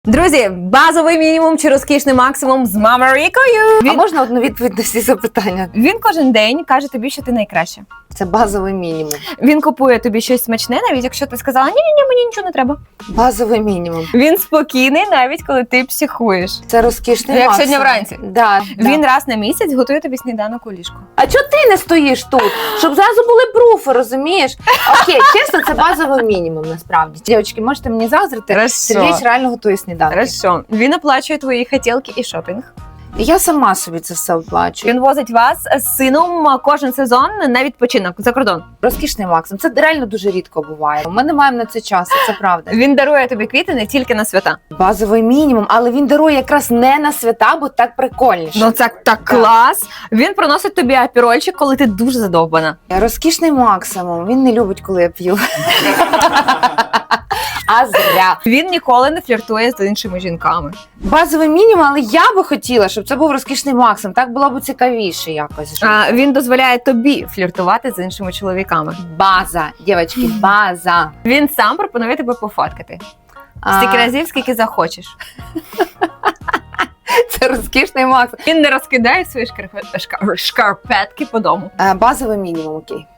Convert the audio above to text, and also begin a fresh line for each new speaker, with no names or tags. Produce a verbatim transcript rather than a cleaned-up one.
Друзі, базовий мінімум чи розкішний максимум з Мамарікою.
А можна одну відповідь на всі запитання?
Він кожен день каже тобі, що ти найкраща.
Це базовий мінімум.
Він купує тобі щось смачне, навіть якщо ти сказала, ні-ні-ні, мені нічого не треба.
Базовий мінімум.
Він спокійний, навіть коли ти психуєш.
Це розкішний
Як
максимум.
сьогодні вранці.
Да,
Він
да.
раз на місяць готує тобі сніданок у ліжку.
А чого ти не стоїш тут? Щоб зразу були пруфи, розумієш? Окей, чесно, це базовий мінімум, насправді. Дівчатки, можете мені заздрити?
Хорошо.
Сергій реально готує сніданки.
Хорошо. Він оплачує твої хотілки і шопінг.
І я сама собі це все оплачу.
Він возить вас з сином кожен сезон на відпочинок за кордон.
Розкішний максимум. Це реально дуже рідко буває. Ми не маємо на це часу, це правда.
Він дарує тобі квіти не тільки на свята.
Базовий мінімум, але він дарує якраз не на свята, бо так прикольніше.
Ну це так клас. Він приносить тобі апірольчик, коли ти дуже задовбана.
Розкішний максимум. Він не любить, коли я п'ю. А зря.
Він ніколи не фліртує з іншими жінками.
Базовий мінімум, але я би хотіла, щоб це був розкішний максимум. Так було б цікавіше якось.
А, він дозволяє тобі фліртувати з іншими чоловіками.
База, дівчатки, база.
Він сам пропонує тебе пофоткати. Стільки разів, скільки захочеш.
Це розкішний максимум.
Він не розкидає свої шкарпе- шка- шкарпетки по дому.
Е, Базовий мінімум, окей.